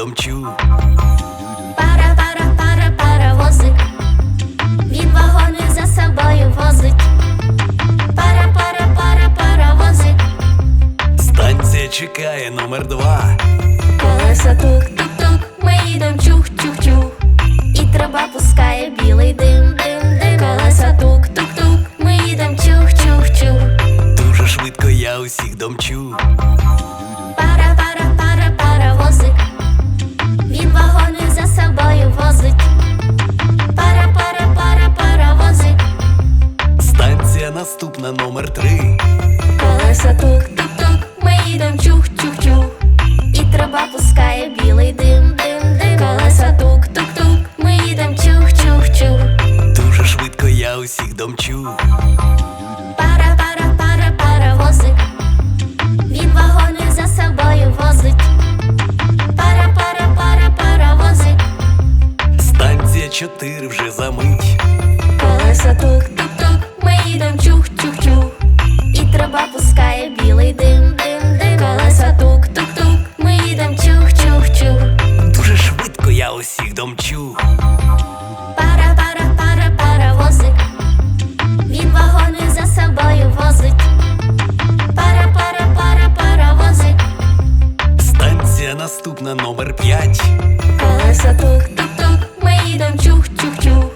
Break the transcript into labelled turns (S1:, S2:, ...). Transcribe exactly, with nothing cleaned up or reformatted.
S1: домчу.
S2: Пара, пара, пара, паровозик, він вагони за собою возить. Пара, пара, пара, паровозик,
S1: Станція чекає номер два.
S2: колеса тук-тук-тук, ми їдем чух-чух-чух, і труба пускає білий дим, дим, дим. Колеса тук-тук-тук, ми їдем чух-чух-чух.
S1: Дуже швидко я усіх домчу.
S2: Пара, пара, пара, паровозик, він вагони за собою возить. Пара, пара, пара, паровозик,
S1: Станція наступна номер три.
S2: колеса тук-тук-тук, ми їдем чух-чух-чух, і труба пускає білий дим, дим, дим. Колеса тук-тук-тук, ми їдем чух-чух-чух.
S1: Дуже швидко я усіх домчу.
S2: Пара, пара, пара, паровозик, він вагони за собою возить. Пара, пара, пара, паровозик,
S1: Станція чотири вже за мить.
S2: колеса тук-тук-тук, ми їдем чух-чух-чух, і труба пускає білий дим, дим, дим. Колеса тук-тук-тук, ми їдем чух-чух-чух.
S1: Дуже швидко я усіх домчу.
S2: Пара, пара, пара, паровозик, він вагони за собою возить. Пара, пара, пара, паровозик,
S1: Станція наступна номер п'ять.
S2: колеса тук-тук-тук, ми їдем чух-чух-чух,